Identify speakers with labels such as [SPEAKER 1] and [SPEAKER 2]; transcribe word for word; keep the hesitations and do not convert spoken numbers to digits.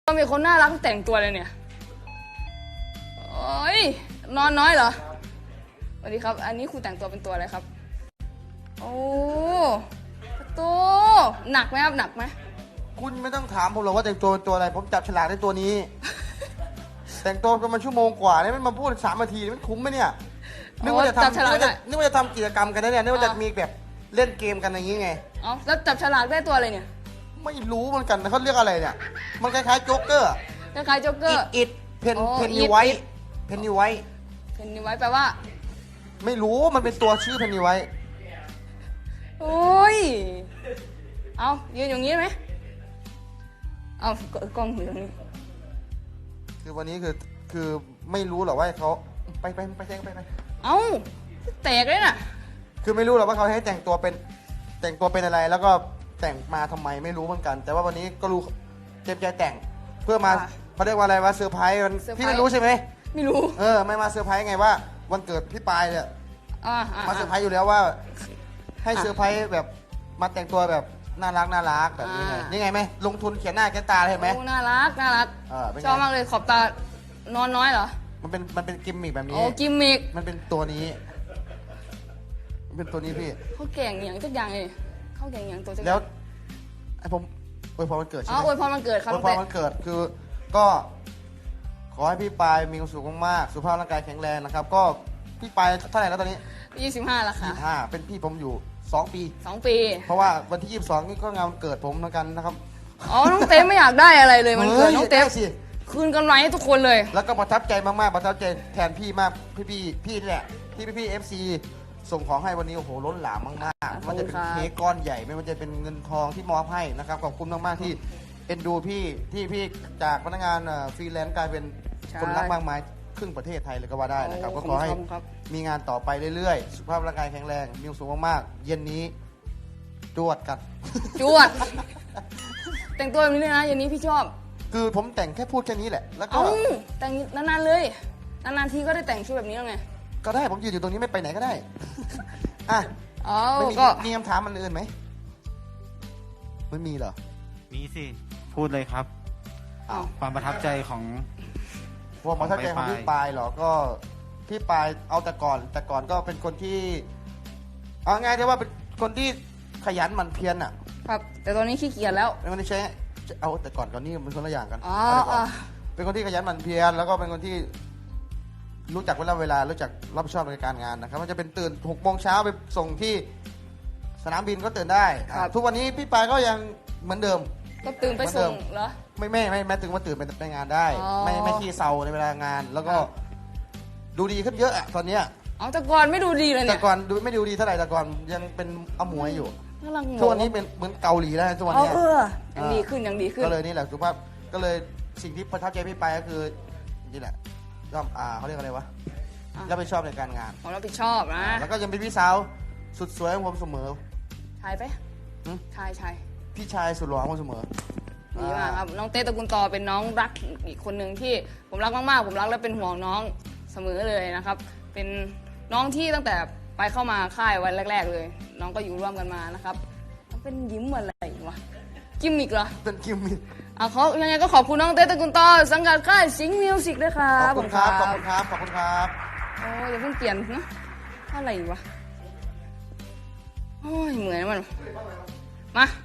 [SPEAKER 1] ก็มีคนน่ารักแต่งตัวเลยเนี่ยโอ้ยนอนน้อยเหรอสวัสดีครับอันนี้ครูแต่งตัวเป็นตัวอะไรครับโอ้ตัวหนักไหมครับหนักไหม
[SPEAKER 2] คุณไม่ต้องถามผมหรอกว่าแต่งตัวเป็นตัวอะไรผมจับฉลากในตัวนี้ แต่งตัวกันมาชั่วโมงกว่าเนี่ยมันมาพูดสามนาทีมันคุ้มไหมเนี่ยนึกว่าจะทำนึกว่าจะนึกว่าจะทำกิจกรรมกันนะเนี่ยนึกว่าจะมีแบบเล่นเกมกันอย่างนี้ไง
[SPEAKER 1] อ๋อแล้วจับฉลากได้ตัวอะไรเนี่ย
[SPEAKER 2] ไม่รู้เหมือนกันนะเขาเรียกอะไรเนี่ยมันคล้ายๆโจ๊กเกอร์
[SPEAKER 1] คล้ายๆโจ๊กเกอร์
[SPEAKER 2] อิดเพนเพนนีไวท์เพนนีไวท์
[SPEAKER 1] เพนนีไวท์แปลว่า
[SPEAKER 2] ไม่รู้มันเป็นตัวชื่อเพนนีไวท์
[SPEAKER 1] โอ้ยเอายืนอย่างนี้ไหมเอากล้องอยู่ตรงนี้
[SPEAKER 2] คือวันนี้คือคือไม่รู้หรอกว่าเขาไปไปไปแจ้งไปไป
[SPEAKER 1] เอาแตกเลยน่ะ
[SPEAKER 2] คือไม่รู้หรอกว่าเขาให้แต่งตัวเป็นแต่งตัวเป็นอะไรแล้วก็แต่งมาทำไมไม่รู้เหมือนกัน แต่ว่าวันนี้ก็รู้เต็มใจแต่งเพื่อมาเขาเรียกว่าอะไรวะเซอร์ไพรส์พี่ไม่รู้ใช่ไหม
[SPEAKER 1] ไม่รู้
[SPEAKER 2] เออไม่มาเซอร์ไพรส์ไงว่าวันเกิดพี่ปายเนี่ยมาเซอร์ไพรส์อยู่แล้วว่าให้เซอร์ไพรส์แบบมาแต่งตัวแบบน่ารักน่ารักแบบนี้ไงนี่ไงไหมลงทุนเขียนหน้าแกตาเห็นไหม
[SPEAKER 1] น่ารักน่ารักชอบมากเลยขอบตานอนน้อยเหรอ
[SPEAKER 2] มันเป็นมันเป็นกิมมิกแบบนี้
[SPEAKER 1] โอ้กิมมิก
[SPEAKER 2] มันเป็นตัวนี้มันเป็นตัวนี้พี่
[SPEAKER 1] เขาแก่งอย่างทุกอย่างเลยเขาแก่งอย่างตัว
[SPEAKER 2] แล้วไอผมอวยพรวันเกิดใช่ไหม
[SPEAKER 1] อ๋ออวยพรวันเกิดครับ
[SPEAKER 2] อวยพรวันเกิดคือก็ขอให้พี่ปายมีความสุขมากๆสุขภาพร่างกายแข็งแรงนะครับก็พี่ปายเท่าไหร่แล้วตอนนี้
[SPEAKER 1] ยี่สิบห้าแล้วค่ะ
[SPEAKER 2] ยี่สิบห้าเป็นพี่ผมอยู่สองปี
[SPEAKER 1] สองปี
[SPEAKER 2] เพราะว่าวันที่ยี่สิบสองนี่ก็งานวันเกิดผมเหมือนกันนะครับ
[SPEAKER 1] อ๋อน้องเต้ไม่อยากได้อะไรเลยมันเกิดน้องเต้
[SPEAKER 2] สิ
[SPEAKER 1] คืนกำไรให้ทุกคนเลย
[SPEAKER 2] แล้วก็ประทับใจมากๆประทับใจแทนพี่มากพี่พี่พี่นี่แหละที่พี่พี่เอฟซีส่งของให้วันนี้โอ้โหล้นหลามมากๆมันจะเป็นเค้กก้อนใหญ่ไม่ว่าจะเป็นเงินทองที่มอบให้นะครับขอบคุณมากๆที่เอ็นดูพี่ที่พี่จากพนักงานฟรีแลนซ์กลายเป็นคนรักมากมายครึ่งประเทศไทยเลยก็ว่าได้นะครับก็ขอให้มีงานต่อไปเรื่อยๆสุขภาพร่างกายแข็งแรงมีความสุขมากๆเย็นนี้จวดกัน
[SPEAKER 1] จวดแต่งตัวแบบนี้เลยนะเย็นนี้พี่ชอบ
[SPEAKER 2] คือผมแต่งแค่พูดแค่นี้แหละแล้วก็
[SPEAKER 1] แต่งนานๆเลยนานๆทีก็ได้แต่งชุดแบบนี้แล้วไง
[SPEAKER 2] ก็ได้ผมยืนอยู่ตรงนี้ไม่ไปไหนก็ได้อ่ะ
[SPEAKER 1] ไม่
[SPEAKER 2] มีมีคำถามมันอื่นไหมไม่มีเหรอ
[SPEAKER 3] มีสิพูดเลยครับความประทับใจของ
[SPEAKER 2] ความประทับใจของพี่ปายเหรอก็พี่ปายเอาแต่ก่อนแต่ก่อนก็เป็นคนที่เอาง่ายได้ว่าเป็นคนที่ขยันหมั่นเพียรอ่ะ
[SPEAKER 1] ครับแต่ตอนนี้ขี้เกียจแล้ว
[SPEAKER 2] เป็นคนที่ใช้เอาแต่ก่อนก่อนนี้มันคนละอย่างกัน
[SPEAKER 1] อ๋อ
[SPEAKER 2] เป็นคนที่ขยันหมั่นเพียรแล้วก็เป็นคนที่รู้จักเวลาเวลารู้จักรับผิดชอบในการงานนะครับมันจะเป็นตื่นหกโมงเช้าไปส่งที่สนามบินก็ตื่นได้ทุกวันนี้พี่ปายก็ยังเหมือนเดิม
[SPEAKER 1] ก็ตื่นไปส่งเหรอ
[SPEAKER 2] ไม่ไม่ไม่แม้ถึงว่าตื่นไปไปงานได้ไม่ไม่ขี้เศร้าในเวลางานแล้วก็ดูดีขึ้นเยอะอะตอนเนี้ย
[SPEAKER 1] อ๋อแต่ก่อนไม่ดูดีเลยเนี่ย
[SPEAKER 2] แต่ก่อนดูไม่ดูดีเท่าไหร่แต่ก่อนยังเป็นอมวยอยู่ช่วงนี้เป็นเหมือนเกาหลีแล้วช่วงนี้
[SPEAKER 1] เออยังดีขึ้นยังดีขึ้น
[SPEAKER 2] ก็เลยนี่แหละสุภาพก็เลยสิ่งที่ประทับใจพี่ปายก็คือนี่แหละก็อ่าเขาเรียกอะไรวะรับผิดชอบในการงาน
[SPEAKER 1] ผมรับผิดชอบนะ
[SPEAKER 2] แล้วก็ยังเป็นพี่สาวสุดสวยของผมเสมอ
[SPEAKER 1] ชายไปชายชาย
[SPEAKER 2] พี่ชายสุดหล่อของผมเสมอ
[SPEAKER 1] ดีมากครับน้องเต้ตระกูลต่อเป็นน้องรักอีกคนหนึ่งที่ผมรักมากๆผมรักและเป็นห่วงน้องเสมอเลยนะครับเป็นน้องที่ตั้งแต่ไปเข้ามาค่ายวันแรกๆเลยน้องก็อยู่ร่วมกันมานะครับเป็นยิ้มอะไรวะกิมมิกเหรอ
[SPEAKER 2] เป็นกิมมิก
[SPEAKER 1] อ่ะเขายังไงก็ขอบคุณน้องเต้ตระกูลต่อสังกัดค่ายสิงห์มิวสิกด้วยครับ
[SPEAKER 2] ขอบคุณครับขอบคุณครับขอบคุณครับ
[SPEAKER 1] โอ้ยอย่าเพิ่งเปลี่ยนนะอะไรวะโอ้ยเหมือนมันมา